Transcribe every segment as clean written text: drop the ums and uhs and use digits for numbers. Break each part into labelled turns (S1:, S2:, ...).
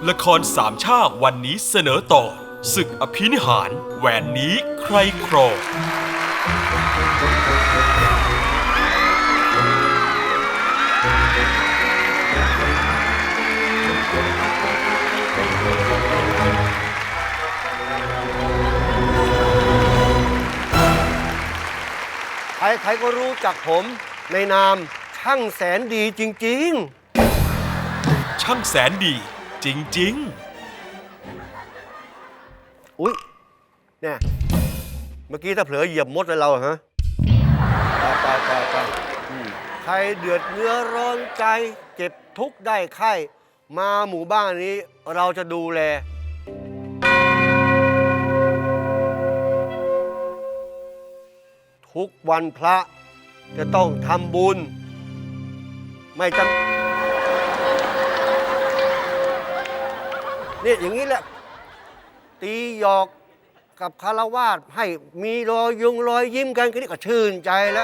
S1: ละครสามชาติวันนี้เสนอต่อศึกอภินิหารแหวนนี้ใครครอง
S2: ใครๆก็รู้จักผมในนามช่างแสนดีจริง
S1: ช่างแสนดีจริง
S2: ๆอุ๊ยเนี่ยเมื่อกี้ถ้าเผลอเหยียบมดเลยเราฮะไปใครเดือดเนื้อร้อนใจเจ็บทุกข์ได้ไข้มาหมู่บ้านนี้เราจะดูแลทุกวันพระจะต้องทำบุญไม่จำเนี่ยอย่างนี้แหละตีหยอกกับคารวาสให้มีรอยยิ้มกันก็นี่ก็ชื่นใจแล้ว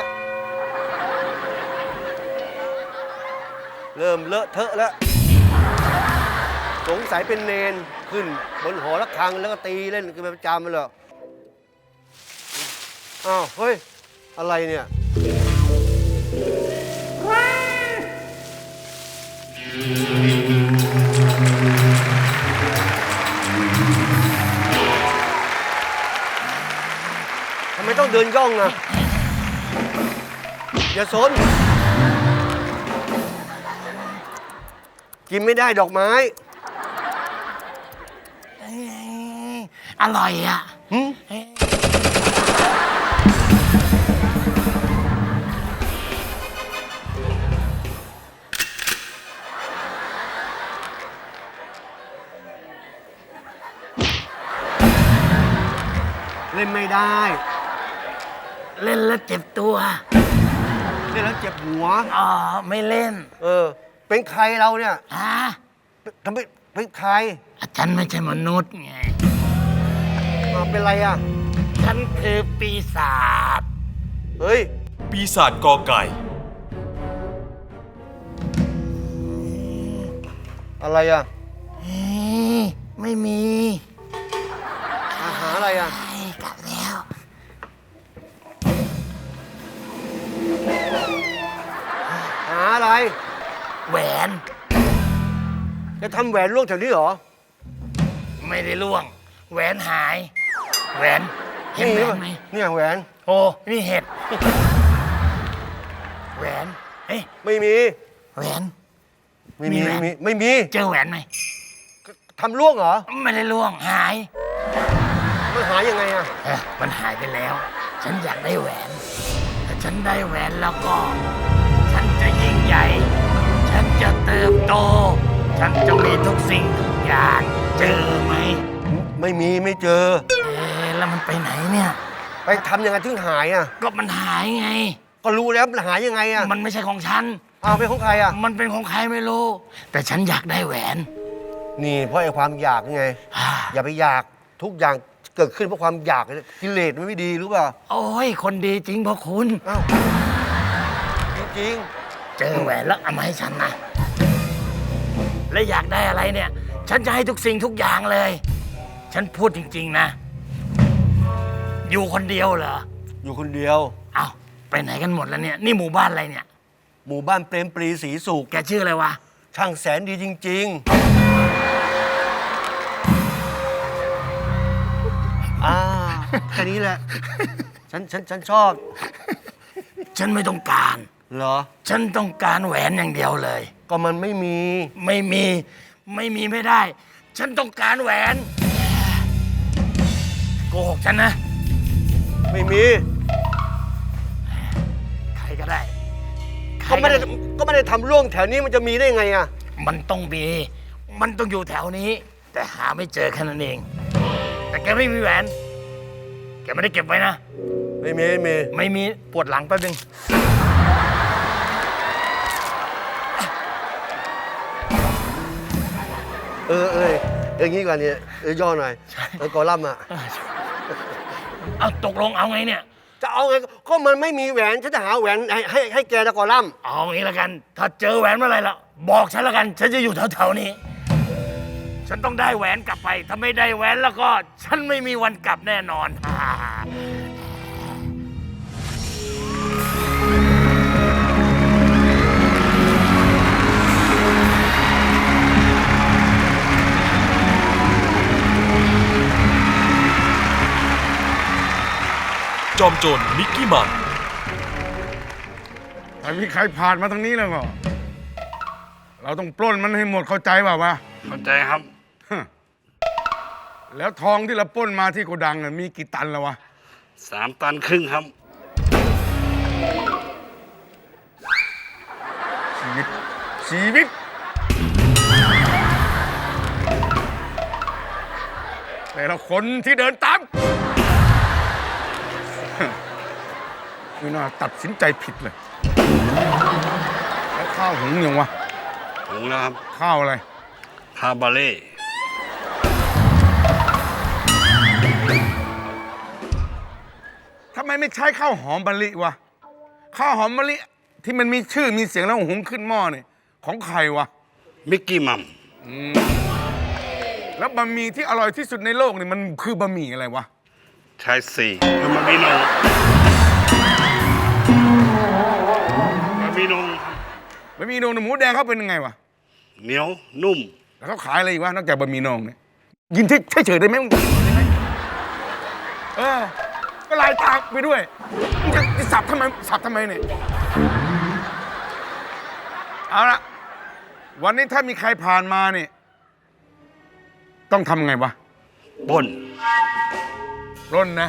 S2: เริ่มเลอะเทอะแล้วสงสัยเป็นเนนขึ้นบนหอระฆังแล้วก็ตีเล่นกันเป็นประจำเลยอ้าวเฮ้ยอะไรเนี่ยทำไมต้องเดินย่องนะอย่าสนกินไม่ได้ดอกไม้
S3: อร่อยอ่ะ
S2: เล่นไม่ได้
S3: เล่นแล้วเจ็บตัว
S2: เล่นแล้วเจ็บหัว
S3: อ๋อไม่เล่น
S2: เป็นใครเราเนี่ย
S3: ฮะ
S2: ทำไมเป็นใคร
S3: ฉันไม่ใช่มนุษย์ไง
S2: เป็นไรอ่ะ
S3: ฉันคือปีศาจ
S2: เฮ้ย
S1: ปีศาจกอไก่
S2: อะไรอ่ะ
S3: ไม่มี
S2: อาหารอะไรอ่ะ
S3: กลับแล้ว
S2: หาอะไร
S3: แหวน
S2: จะทำแหวนล่วงแถวนี้เหรอ
S3: ไม่ได้ล่วงแหวนหายแหวนเห็นแหวนไหม
S2: เนี่ยแหวน
S3: โอ้นี่เห็ดแหวนเฮ้ย
S2: ไม่มี
S3: แหวน
S2: ไม่มี
S3: เจอแหวนไหม
S2: ทำล่วงเหรอ
S3: ไม่ได้ล่วงหาย
S2: มันหายยังไงอ่ะ
S3: มันหายไปแล้วฉันอยากได้แหวนถ้าฉันได้แหวนแล้วก็ฉันจะยิ่งใหญ่ฉันจะเติบโตฉันจะมีทุกสิ่งทุกอย่างเจอไหม
S2: ไม่เจอ
S3: แล้วมันไปไหนเนี่ย
S2: ไปทำยังไงถึงหายอ่ะ
S3: ก็มันหายไง
S2: ก็รู้แล้วมันหายยังไงอ่ะ
S3: มันไม่ใช่ของฉัน
S2: เป็นของใครอ่ะ
S3: มันเป็นของใครไม่รู้แต่ฉันอยากได้แหวน
S2: นี่เพราะไอ้ความอยากไงอย่าไปอยากทุกอย่างเกิดขึ้นเพราะความอยากกิเลสมันไม่ดีรู้ป่ะ
S3: โอ้ยคนดีจริงเพราะคุณ
S2: จริง
S3: เจอแหวนแล้วเอามาให้ฉันนะและอยากได้อะไรเนี่ยฉันจะให้ทุกสิ่งทุกอย่างเลยฉันพูดจริงๆนะอยู่คนเดียวเหรอ
S2: อยู่คนเดียว
S3: เอ้าไปไหนกันหมดแล้วเนี่ยนี่หมู่บ้านอะไรเนี่ย
S2: หมู่บ้านเปรมปรีศรีสุข
S3: แกชื่ออะไรวะ
S2: ช่างแสนดีจริงๆแค่นี้แหละฉันชอบ
S3: ฉันไม่ต้องการ
S2: เหรอ
S3: ฉันต้องการแหวนอย่างเดียวเลย
S2: ก็มันไม่มี
S3: ไม่ได้ฉันต้องการแหวนโกหกฉันนะ
S2: ไม่มี
S3: ใครก็ได้
S2: ก็ไม่ได้ทำร่วงแถวนี้มันจะมีได้ไงอ่ะ
S3: มันต้องอยู่แถวนี้แต่หาไม่เจอแค่นั้นเองแต่แกไม่มีแหวนแกไม่ได้เก็บไว้นะ
S2: ไม่มี
S3: ปวดหลังแป๊บนึง
S2: อย่างนี้ก่อนเนี่ยย่อหน่อยกอลัมน์อ่ะ
S3: เอาตกลงเอาไงเนี่ย
S2: จะเอาไงก็มันไม่มีแหวนฉันจะหาแหวนให้แกตะกอล่ำ
S3: เอางี้ละกันถ้าเจอแหวนเมื่อไรล่ะบอกฉันละกันฉันจะอยู่แถวๆนี้ฉันต้องได้แหวนกลับไป ถ้าไม่ได้แหวนแล้วก็ฉันไม่มีวันกลับแน่นอน
S1: จอมโจรมิกกี้มัม
S4: ถ้ามีใครผ่านมาทางนี้แล้วก็ เราต้องปล้นมันให้หมดเข้าใจเปล่าวะ
S3: เข้าใจครับ
S4: แล้วทองที่เราปล้นมาที่โกดังน่ะมีกี่ตันแล้ววะ
S3: 3 ตันครึ่งครับ
S4: ชีวิตแต่ละคนที่เดินตาม ไม่น่าตัดสินใจผิดเลย แล้วข้าวหุงยังวะ
S3: ถึงแล้วครับ
S4: ข้าวอะไร
S3: คาบาเล่
S4: ทำไมไม่ใช้ข้าวหอมมะลิวะ ข้าวหอมมะลิที่มันมีชื่อมีเสียงแล้วหุงขึ้นหม้อเนี่ยของใครวะ
S3: มิกกี้มัม
S4: แล้วบะหมี่ที่อร่อยที่สุดในโลกนี่มันคือบะหมี่อะไรวะ
S3: ชายสี่คือมันมีนงมันมีนง
S4: บะหมี่นงหมูแดงเขาเป็นยังไงวะ
S3: เหนียวนุ่ม
S4: แล้วเขาขายอะไรอีกวะนอกจากบะหมี่นงเนี่ยยินเฉยๆได้ไหมมึงก็ลายตาไปด้วยมึงจะสับทำไมเนี่ยเอาละวันนี้ถ้ามีใครผ่านมาเนี่ยต้องทำไงวะ
S3: บน
S4: ร่นนะ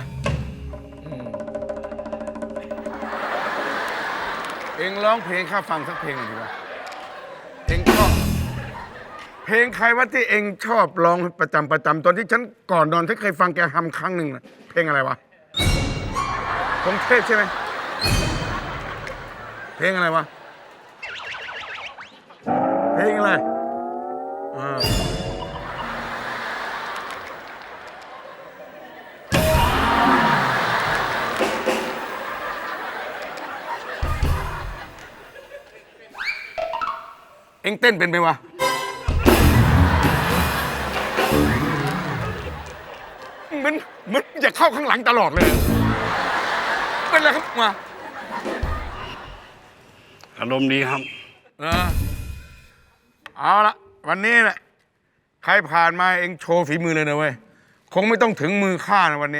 S4: เองร้องเพลงข้าฟังสักเพลงหน่อยดีกว่าเองชอบเพลงใครวะที่เองชอบร้องประจำตอนที่ฉันก่อนนอนฉันเคยฟังแกทำครั้งหนึ่งนะเพลงอะไรวะพงเทพใช่ไหมเพลงอะไรวะเพลงอะไรเอ็งเต้นเป็นไหมวะมันจะเข้าข้างหลังตลอดเลยเป็นอะไรครับมา
S3: อารมณ์ดีครับ
S4: เอาละวันนี้แหละใครผ่านมาเอ็งโชว์ฝีมือเลยนะเว้ยคงไม่ต้องถึงมือข้านะวันนี้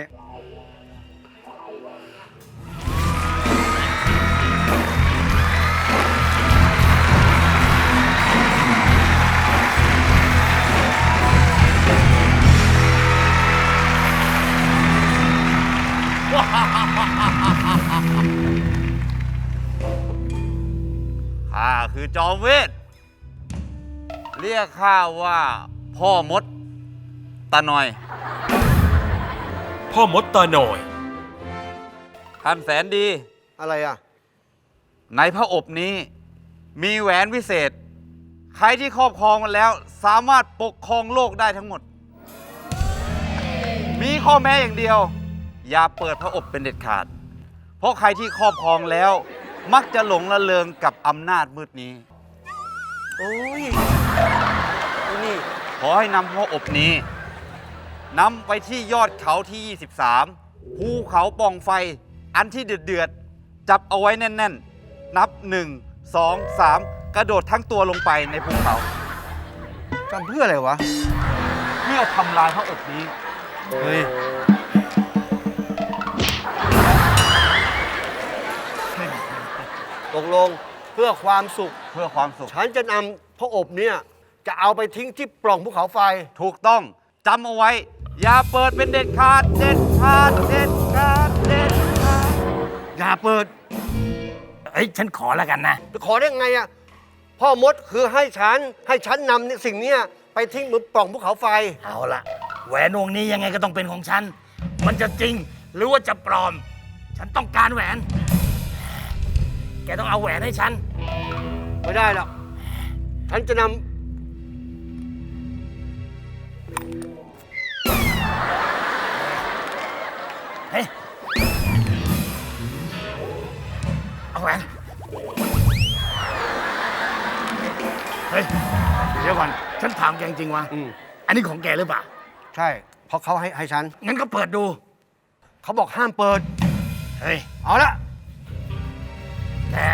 S5: ข้าคือจอมเวท เรียกข้าว่าพ่อมดตาหน่อย
S1: พ่อมดตาหน่อย
S5: ท่านแสนดี
S2: อะไรอ่ะ
S5: ในพระอบนี้มีแหวนวิเศษ ใครที่ครอบครองมันแล้วสามารถปกครองโลกได้ทั้งหมด มีข้อแม้อย่างเดียว อย่าเปิดพระอบเป็นเด็ดขาด เพราะใครที่ครอบครองแล้ว มักจะหลงละเลงกับอำนาจมืดนี้
S2: โอ้ยนี่
S5: ขอให้นำพระอบนี้นำไปที่ยอดเขาที่ 23 ภูเขาปล่องไฟ อันที่เดือดๆ จับเอาไว้แน่นๆ นับ 1 2 3 กระโดดทั้งตัวลงไปในภูเขา
S2: ทำเพื่ออะไรวะ
S5: เพื่อทำลายพระอบนี้
S2: เฮ้ย ตกลงเพื่อความสุข
S5: เพื่อความสุข
S2: ฉันจะนำพระอบเนี่ย จะเอาไปทิ้งที่ปล่องภูเขาไฟ
S5: ถูกต้องจำเอาไว้ อย่าเปิดเป็นเด็ดขาด เด็ดขาด เด็ดขาด เด็ดขาด
S2: อย่าเปิด
S3: เอ้ย ฉันขอแล้วกันนะ
S2: จะขอได้ไงอ่ะ พ่อมดคือให้ฉันนำสิ่งเนี้ยไปทิ้งบนปล่องภูเขาไฟ
S3: เอาละแหวนวงนี้ยังไงก็ต้องเป็นของฉัน มันจะจริงหรือว่าจะปลอม ฉันต้องการแหวน แกต้องเอาแหวนให้ฉัน
S2: ไม่ได้หรอก ฉันจะน
S3: เฮ้ย เอาแหวน เฮ้ย เดี๋ยวก่อน ฉันถามแกจริงๆวะอันนี้ของแกหรือเปล่า
S2: ใช่ เพราะเขาให้ฉัน
S3: งั้นก็เปิดดู
S2: เขาบอกห้ามเปิด
S3: เฮ้ย
S2: เอาละ
S3: แก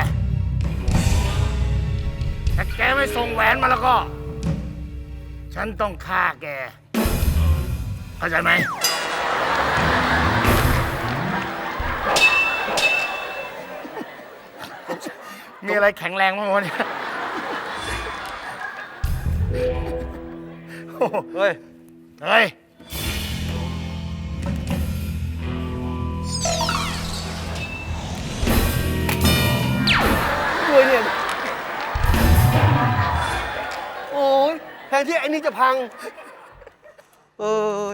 S3: ถ้าแกไม่ส่งแหวนมาแล้วก็ ฉันต้องฆ่าแก เข้าใจไหม มีอะไรแข็งแรงบ้างวะเนี่ย
S2: เฮ้ย
S3: เฮ้ย
S2: ด้วยเนี่ย โอ้ยแทนที่ไอ้นี่จะพัง เอ้ย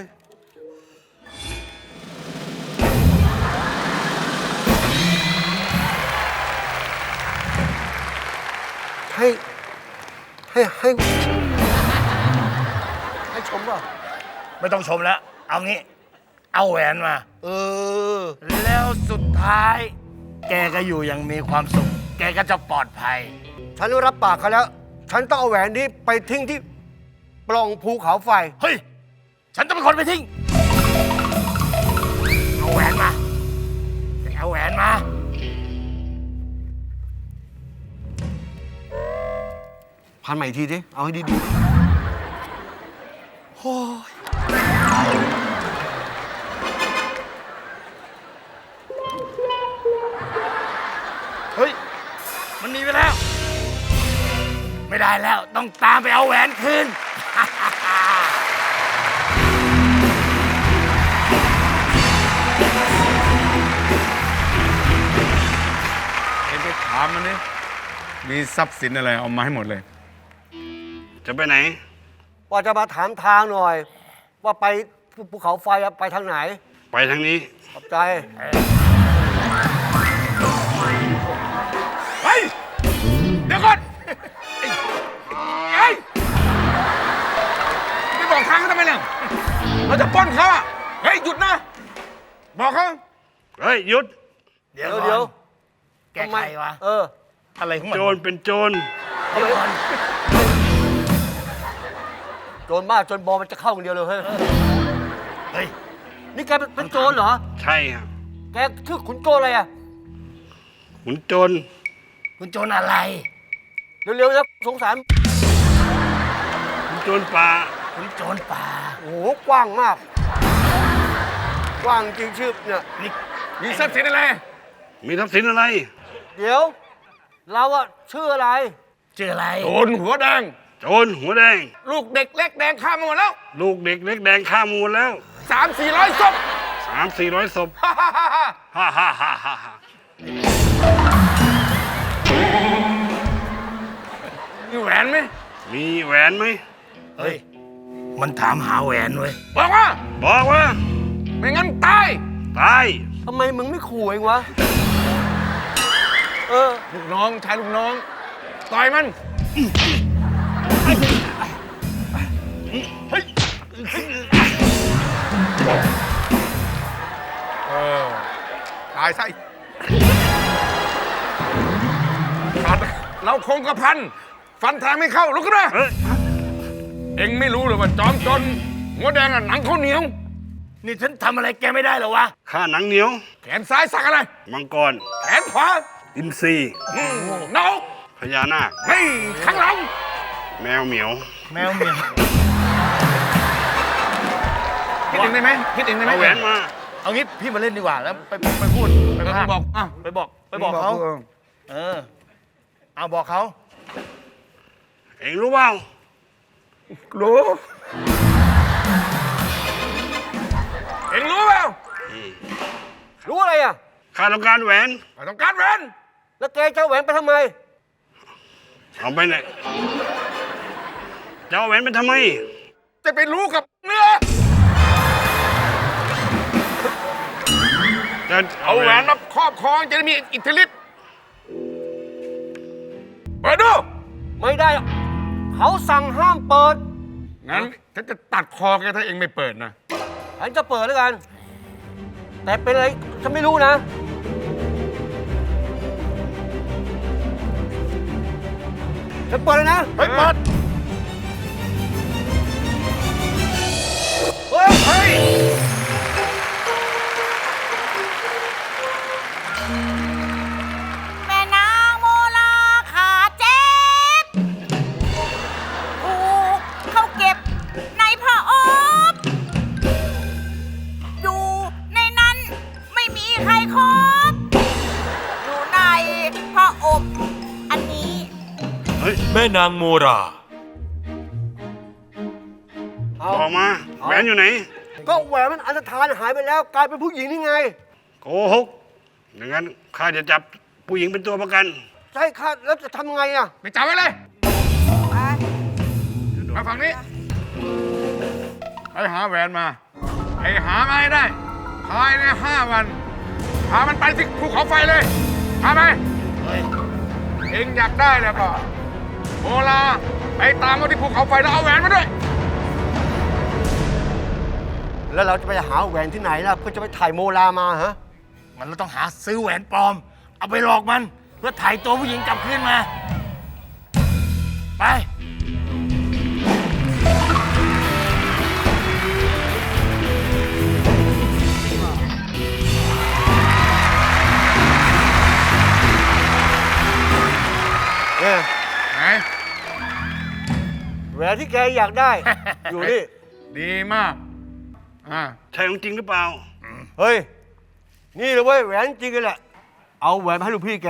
S2: ให้ชมเปล่ะ
S3: ไม่ต้องชมแล้ว เอางี้ เอาแหวนมา
S2: เออ
S3: แล้วสุดท้าย แกก็อยู่อย่างมีความสุข แกก็จะปลอดภัย
S2: ฉันรับปากเขาแล้ว ฉันต้องเอาแหวนนี้ไปทิ้งที่ปล่องภูเขาไฟ
S3: เฮ้ย ฉันจะเป็นคนไปทิ้ง เอาแหวนมาแกเอาแหวนมา
S2: พันใหม่อีกทีดิ เอาให้ดีๆ
S3: เฮ้ย มันหนีไปแล้ว ไม่ได้แล้ว ต้องตามไปเอาแหวนคืน
S4: เอ็งไปถามมันนี่มีทรัพย์สินอะไรเอามาให้หมดเลย
S5: จะไปไหน
S2: ว่าจะมาถามทางหน่อย ว่าไปภูเขาไฟอะไปทางไหน
S5: ไปทางนี้
S2: ขอบใจ
S4: เฮ้ย เดี๋ยวก่อนเฮ้ยไม่บอกทางเขาทำไมเนี่ยเราจะปล้นเขาอ่ะ เฮ้ย หยุดนะ บอกเขา
S5: เฮ้ย หยุด
S3: เดี๋ยว
S2: เดี๋ยว
S3: แกใครวะ
S2: เออ
S3: อะไรของมัน
S5: โจรเป็นโจร
S3: เดี๋ยวก่อน
S2: โจรมากจนบอมันจะเข้าอย่างเดียวเลยเฮ้ย
S3: เฮ้ย
S2: นี่แกเป็นโจรเหรอ
S5: ใช่ครับ
S2: แกชื่อขุนโจรอะไรอะ
S5: ขุนโจร
S3: คุณโจรอะไร
S2: เร็วๆนะสงสาร
S5: ขุนโจรป่า
S3: คุณโจรป่า
S2: โอ้โห กว้างมาก กว้างจริงชื่อเนี่ย
S3: นี่
S4: มีทรัพย์สินอะไร
S5: มีทรัพย์สินอะไร
S2: เดี๋ยว เราอะชื่ออะไร
S3: ชื่ออะไร
S4: โจรหัวแดง
S5: โจรหัวแดง
S4: ลูกเด็กเล็กแดงข้ามมาหมดแล้ว
S5: ลูกเด็กเล็กแดงฆ่ามูลแล้ว
S4: 300-400ศพ
S5: 300-400 ศพ
S4: ฮ่าฮ่าฮ่าฮ่า
S5: ฮ่าฮ่าฮ่าฮ่าฮ่า
S4: มีแหวนไหม
S5: มีแหวนไหม
S3: เฮ้ย มันถามหาแหวนเว้ย
S4: บอกว่า
S5: บอกว่า
S4: ไม่งั้นตาย
S5: ตาย
S2: ทำไมมึงไม่ขู่เองวะ เออ
S4: ลูกน้องชายลูกน้อง ต่อยมัน เฮ้ย ตายซะอีกฟันเราคงกระพัน ฟันแทงไม่เข้า ลุกขึ้นมา
S5: เฮ้ย
S4: เอ็งไม่รู้เลยว่าจอมจนหัวแดงอะหนังเขาวเหนียว
S3: นี่ฉันทำอะไรแกไม่ได้เหรอวะ
S5: ข้าหนังเหนียว
S4: แขนซ้ายสักอะไร
S5: มังกร
S4: แขนขวา
S5: อินทรี
S4: นก
S5: พญานาค
S4: เฮ้ยข้างหลัง
S5: แมวเหมียว
S3: แมวเหมียว
S4: คิดเองได้ไหมคิดเองได้ไหม
S5: เอาแหวนมา
S3: เอางี้พี่มาเล่นดีกว่า แล้วไปพูด ไป
S4: ไป
S3: พาก
S4: บอกอ่ะ
S3: ไปบอกเขา เออ เอาบอกเขา
S5: เอ็งรู้เปล่า
S4: รู้ เอ็งรู้เปล่า
S2: รู้อะไรอะ
S5: ข้าต้องการแหวน
S4: ไม่ต้องการแหวน
S2: แล้วแกจะเอาแหวนไปทำไม
S5: เอาไปไหนจะเอาแหวนไปทำไม
S4: จะไปรู้กับเนื้อ
S5: จะ
S4: เอาแหวนมาครอบครองจะได้มีอิทธิฤทธิ์เปิดดู
S2: ไม่ได้ เขาสั่งห้ามเปิด
S4: งั้นฉันจะตัดคอแกถ้าเองไม่เปิดนะ
S2: ฉันจะเปิดแล้วกัน แต่เป็นอะไรฉันไม่รู้นะ ฉันเปิดเลยนะ
S4: เฮ้ยเปิด
S1: แม่นางโมรา
S2: เอา
S6: บอกมาแหวนอยู่ไหน
S2: ก็แหวนมันอันธพาลหายไปแล้วกลายเป็นผู้หญิงนี่ไง
S6: โกหกอย่างนั้นข้าจะจับผู้หญิงเป็นตัวประกัน
S2: ใช่ค่ะแล้วจะทำไงอ่ะ
S4: ไปจับไว้เลยมาฝั่งนี้ ไปหาแหวนมาไปหามาให้ได้ ภายใน5 วัน พามันไปที่ภูเขาไฟเลย พาไป เองอยากได้แล้วก็โมลาไปตามมาที่ภูเขาไฟแล้วเอาแหวนมาด้วย
S2: แล้วเราจะไปหาแหวนที่ไหนล่ะเพื่อจะไปถ่ายโมลามาฮะ
S3: มันเราต้องหาซื้อแหวนปลอม เอาไปหลอกมัน เพื่อถ่ายตัวผู้หญิงกลับคืนมา ไป
S2: เนี่ย
S4: ไหน
S2: แหวนที่แกอยากได้ อยู่นี่
S4: ดีมาก
S6: ใช่ของจริงหรือเปล่า
S2: เฮ้ย นี่เลยเว้ยแหวนจริงกันแหละ เอาแหวนมาให้ลูกพี่แก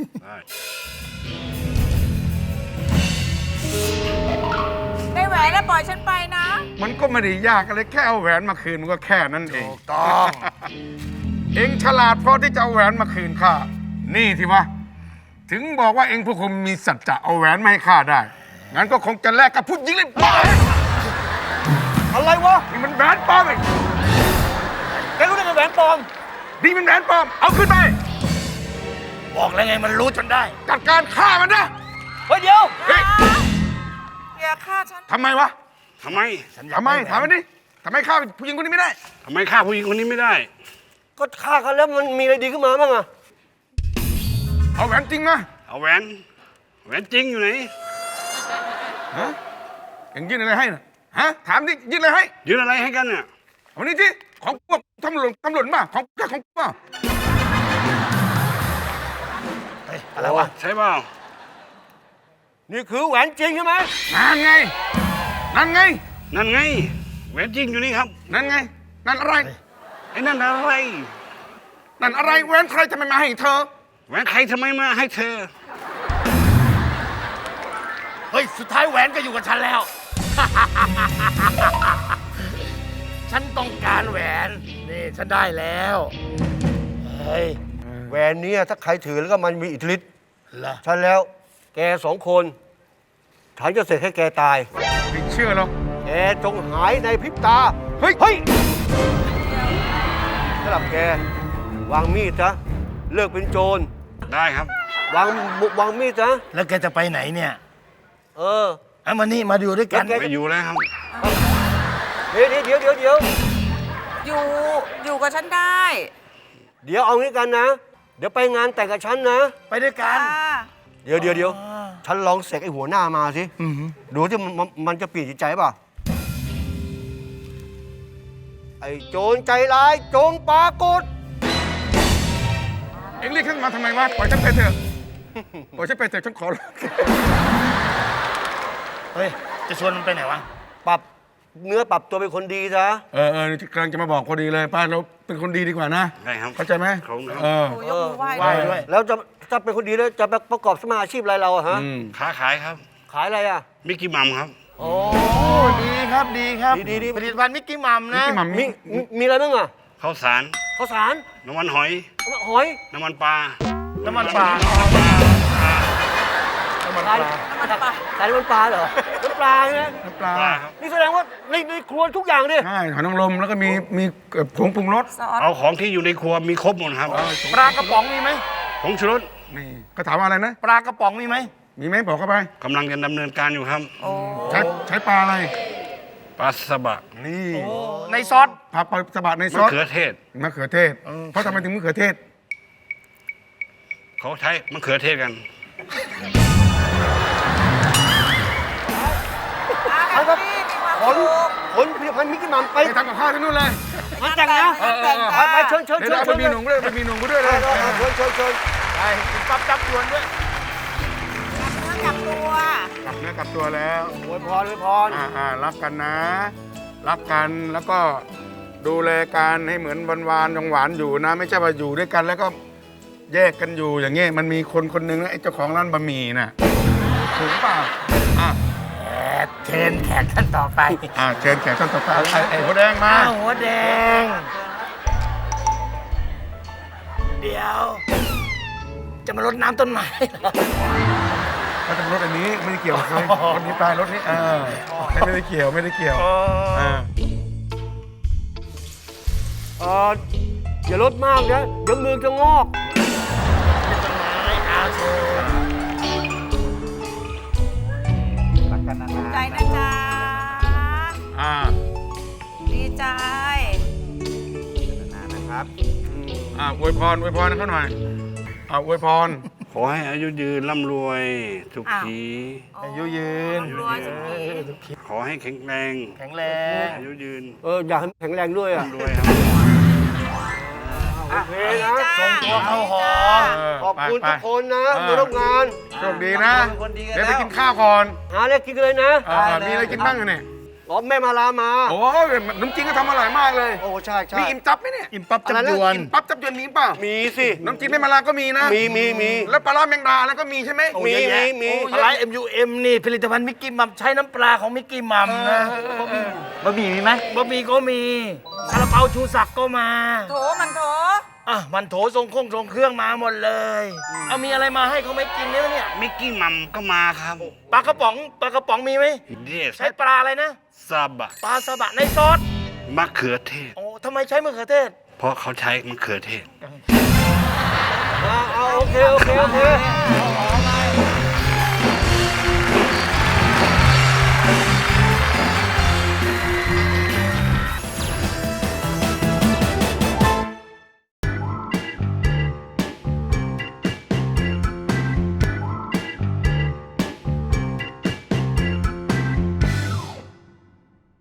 S7: ได้แหวนแล้วปล่อยฉันไปนะ
S4: มันก็ไม่ได้ยากอะไรแค่เอาแหวนมาคืนมันก็แค่นั้นเอง
S3: ถูกต้อง
S4: เองฉลาดพอที่จะเอาแหวนมาคืนข้า นี่ที่วะ ถึงบอกว่าเองผู้คุมมีสัจจะเอาแหวนมาให้ข้าได้ งั้นก็คงจะแลกกับผู้หญิงเลยบ้า
S2: อะไรวะ
S4: นี่มันแหวนปลอมเอง
S2: แกรู้ได้ไงแหวนปลอม
S4: นี่มันแหวนปลอม เอาขึ้นไป
S3: บอกแล้วไงมันรู้จนได้
S4: จัดการฆ่ามันนะ
S2: เฮ้ยเดี๋ยว
S4: เฮ้ย
S7: อย่าฆ่าฉัน
S4: ทำไมวะ
S6: ทำไม
S4: ทำไมถามมันดิทำไมฆ่าผู้หญิงคนนี้ไม่ได้
S6: ทำไมฆ่าผู้หญิงคนนี้ไม่ได้
S2: ก็ฆ่าเขาแล้วมันมีอะไรดีขึ้นมาบ้างอะ
S4: เอาแหวนจริงนะ
S6: เอาแหวน แหวนจริงอยู่ไหน
S4: ฮะเอ็งยื่นอะไรให้นะฮะ ถามดิยื่นอะไรให้
S6: ยืนอะไรให้กันเนี่ย
S4: เอานี่ที่ของพวกตำรวจมาของพวก
S2: อะไรวะ
S6: ใช่เปล่า
S2: นี่คือแหวนจริงใช่ไหม
S4: นั่นไง นั่นไง
S6: นั่นไง แหวนจริงอยู่นี่ครับ
S4: นั่นไง นั่นอะไร
S6: ไอ้นั่นอะไร
S4: นั่นอะไรแหวนใครจะไม่มาให้เธอ
S6: แหวนใครทำไมมาให้เธอ
S3: เฮ้ย สุดท้ายแหวนก็อยู่กับฉันแล้ว ฉันต้องการแหวน นี่ ฉันได้แล้ว เฮ้ย
S2: แหวนเนี้ถ้าใครถือแล้วก็มันมีอิทธิฤทธิ์
S3: เหรอ
S2: ฉันแล้ว แก2 คน ฉันจะเสกให้แกตาย
S4: ไม่เชื่อหรอก
S2: แกจงหายในพริบตา
S4: เฮ้ย
S2: เฮ้ยสำหรับแก วางมีดซะเลิกเป็นโจร
S6: ได้ครับ
S2: วางมีดซะ
S3: แล้วแกจะไปไหนเนี่ย
S2: เออ
S3: เอามานี่มาดูด้วยกัน
S2: แล้วแก
S6: ไปอยู่แล้วครับ
S2: เดี๋ยว
S7: อยู่กับฉันได้
S2: เดี๋ยวเอางี้กันนะ เดี๋ยวไปงานแต่งกับฉันนะ
S3: ไปด้วยกัน
S7: ค่ะ
S2: เดี๋ยวฉันลองเสกไอ้หัวหน้ามาสิ ดูที่มันจะเปลี่ยนจิตใจป่ะ ไอ้โจรใจร้ายจงปรากฏ
S4: เอ็งเรียกขึ้นมาทำไมวะ ปล่อยฉันไปเถอะ ปล่อยฉันไปเถอะฉันขอร้อง
S3: เฮ้ย จะชวนมันไปไหนวะ
S2: ปรับเนื้อปรับตัวเป็นคนดีซะ
S4: กำลังจะมาบอกพอดีเลยป้าเราเป็นคนดีดีกว่านะ
S6: ได้ครับ
S4: เข้าใจไหม
S6: ครับ
S7: โอ้ยกมือไหว้
S3: ไหว้ด้วย
S2: แล้วถ้าเป็นคนดีแล้วจะไปประกอบสมาอาชีพอะไรเราอะฮะ
S6: ค้าขายครับ
S2: ขายอะไรอะ
S6: มิกกี้มัมครับ
S2: โอ้
S3: ดีครับ ดีครับ
S2: ดี
S3: ผลิตภัณฑ์มิกกี้มัมนะ
S4: ที่หม่ำ
S2: มีอะไรบ้างอะ
S6: ข้าวสาร
S2: ข้าวสาร
S6: น้ำมันหอย
S2: หอย
S6: น้ำมันปลา
S3: น้ำมันปลา
S2: ขายขายน้ำมันปลาเหรอน้ำปลาใช่ไหม
S4: น้ำปลา
S6: ปลาครับ
S2: นี่แสดงว่าในครัวทุกอย่างดิ
S4: ใช่หอยนางรมแล้วก็มีผงปรุงรส
S7: ซอส
S6: เอาของที่อยู่ในครัวมีครบหมดครับ
S3: ปลากระป๋องมีไหม
S6: ผงชูรส
S4: นี่ก็ถามว่าอะไรนะ
S3: ปลากระป๋องมีไหม
S4: มีไหมบอกเข้าไป
S6: กำลังจะดำเนินการอยู่ครับ
S7: โอ้
S4: ใช้ปลาอะไร
S6: ปลาสบะ
S4: นี่
S3: ในซอส
S4: ปลาสบัดในซ
S6: มะ
S4: อส
S6: เขือเทศ
S4: มะเขือเทศ เพราะทำไมถึงมะเขือเทศ
S6: เขาใช้มะเขือเทศกัน
S7: อาแฮปปี้มีความ
S2: ขน
S7: สุข
S2: ขนผลิตภัณฑ์มิกกี้มัมไป
S4: ไปทำกับข้าวที่นู่นเลย
S2: งานแต่งนะ
S7: แต่ง
S2: ไปเชิญ
S4: เดี๋ยวเอาไปมีหนุ่มด้วยไปมีหนุ่มด้วยเลย
S2: เชิญ
S3: ไปกินปั๊บจับยวนด้วย
S7: กลับตัว
S4: กลับเนื้อกลับตัวแล้ว
S2: อวยพร
S4: รักกันนะ รักกันแล้วก็ดูแลกันให้เหมือนหวานๆยังหวานอยู่นะ ไม่ใช่ว่าอยู่ด้วยกันแล้วก็แยกกันอยู่อย่างเงี้ยมันมีคนคนหนึ่งนะไอ้เจ้าของร้านบะหมี่น่ะถึงเปล่าอ่ะ
S3: เชิญแขกท่านต่อไป
S4: เชิญแขกท่านต่อไปไอ้หัวแดงมา
S3: อ้าวหัวแดง เดี๋ยว จะมารดน้ำต้นไม้เหรอ
S4: เขาจะรถอันนี้ไม่ได้เกี่ยวกับใครรถนี้ไปรถนี้ไม่ได้เกี่ยวไม่ได้เกี่ยว
S2: อย่าลดมากนะเดี๋ยวมือจะงอก
S3: ต้นไม้อาโช
S5: รักกันนาน
S7: ใจนะจ๊ะ ดีใจ
S5: นานนะครับ
S4: อวยพรให้เขาหน่อยอวยพร
S6: ขอให้อายุยืนร่ำรวยสุขี
S3: อายุยืน
S7: รวยสุขี
S6: ขอให้แข็งแรง
S3: แข็งแรง
S6: อายุยืน
S2: อยากให้แข็งแรงด้วยอ่ะ
S6: ร่ำรวยครับ
S2: โอเคนะ
S3: ส่งตัวเข้าหอ
S2: ขอบคุณทุกคนนะมาร่วมงาน
S4: โชคดีนะ
S5: เป็นคนดีกัน
S4: เดี๋ยวไป
S5: แล้ว
S4: กินข้าวก่อน
S2: หาอะไรกินเลยนะ
S4: มีอะไรกินบ้างเนี่ย
S2: อ๋อแม่มาลามา
S4: โอ้ยน้ำจิ้มก็ทำอร่อยมากเลย
S2: โอ้ใช่ใช่
S4: มีอิ่มจับไหมเนี่ย
S3: อิ่มปั๊บ
S2: อะไร
S3: จำ
S2: นะ
S3: ยวน
S4: อิ่มปั๊บจับยวนมีเปล่า
S2: มีสิ
S4: น้ำจิ้มแม่มาลาก็มีนะ
S2: มี
S4: แล้วปลาร้าแมงดาแล้วก็มีใช่ไหม
S2: มี
S3: อะไร MUM นี่ผลิตภัณฑ์มิกกี้มัมใช้น้ำปลาของมิกกี้มัมนะ
S5: บะหมี่มีไหม
S3: บะหมี่ก็มีซาลาเปาชูศักดิ์ก็มา
S7: โถมันโถ
S3: มันโถทรงเครื่องมาหมดเลย เอามีอะไรมาให้เขาไม่กินเนี่ย
S6: มิกกี้มัมก็มาครับ
S3: ปลากระป๋องมีไหม
S6: เดส
S3: ใช้ปลาอะไรนะ
S6: ซาบะ
S3: ปลาสบะในซอส
S6: มะเขือเทศ
S3: โอ้ทำไมใช้มะเขือเทศ
S6: เพราะเขาใช้มะเขือเทศ
S2: เอาโอเค